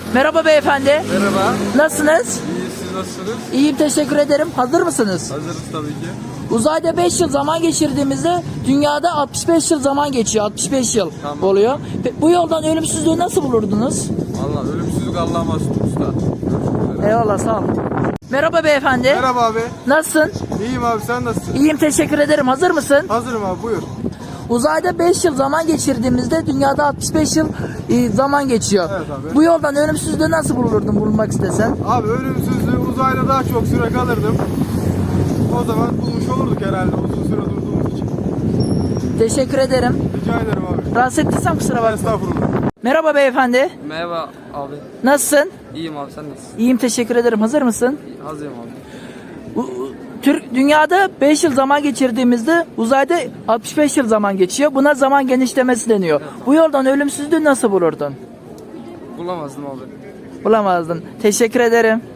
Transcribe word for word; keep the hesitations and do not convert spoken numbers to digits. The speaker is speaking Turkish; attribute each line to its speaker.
Speaker 1: Merhaba beyefendi.
Speaker 2: Merhaba.
Speaker 1: Nasılsınız?
Speaker 2: İyi, siz nasılsınız?
Speaker 1: İyiyim, teşekkür ederim. Hazır mısınız?
Speaker 2: Hazırız tabii ki.
Speaker 1: Uzayda beş yıl zaman geçirdiğimizde dünyada altmış beş yıl zaman geçiyor. altmış beş yıl
Speaker 2: Tamam.
Speaker 1: oluyor. Pe- Bu yoldan ölümsüzlüğü nasıl bulurdunuz?
Speaker 2: Allah ölümsüzlük Allah'a mahsus usta.
Speaker 1: Eyvallah, sağ olun. Merhaba beyefendi.
Speaker 2: Merhaba abi.
Speaker 1: Nasılsın?
Speaker 2: İyiyim abi, sen nasılsın?
Speaker 1: İyiyim, teşekkür ederim. Hazır mısın?
Speaker 2: Hazırım abi, buyur.
Speaker 1: Uzayda beş yıl zaman geçirdiğimizde dünyada altmış beş yıl e, zaman geçiyor.
Speaker 2: Evet abi.
Speaker 1: Bu yoldan ölümsüzlüğü nasıl bulurdun, bulunmak istesen?
Speaker 2: Abi ölümsüzlüğü uzayda daha çok süre kalırdım. O zaman bulmuş olurduk herhalde uzun süre durduğumuz için.
Speaker 1: Teşekkür ederim.
Speaker 2: Rica ederim abi.
Speaker 1: Rahatsız ettiysem kusura bakma.
Speaker 2: Estağfurullah.
Speaker 1: Merhaba beyefendi.
Speaker 3: Merhaba abi.
Speaker 1: Nasılsın?
Speaker 3: İyiyim abi, sen nasılsın?
Speaker 1: İyiyim, teşekkür ederim. Hazır mısın?
Speaker 3: Hazırım abi.
Speaker 1: U- Türk dünyada beş yıl zaman geçirdiğimizde uzayda altmış beş yıl zaman geçiyor. Buna zaman genişlemesi deniyor. Bu yoldan ölümsüzlüğü nasıl bulurdun?
Speaker 3: Bulamazdım abi.
Speaker 1: Bulamazdın. Teşekkür ederim.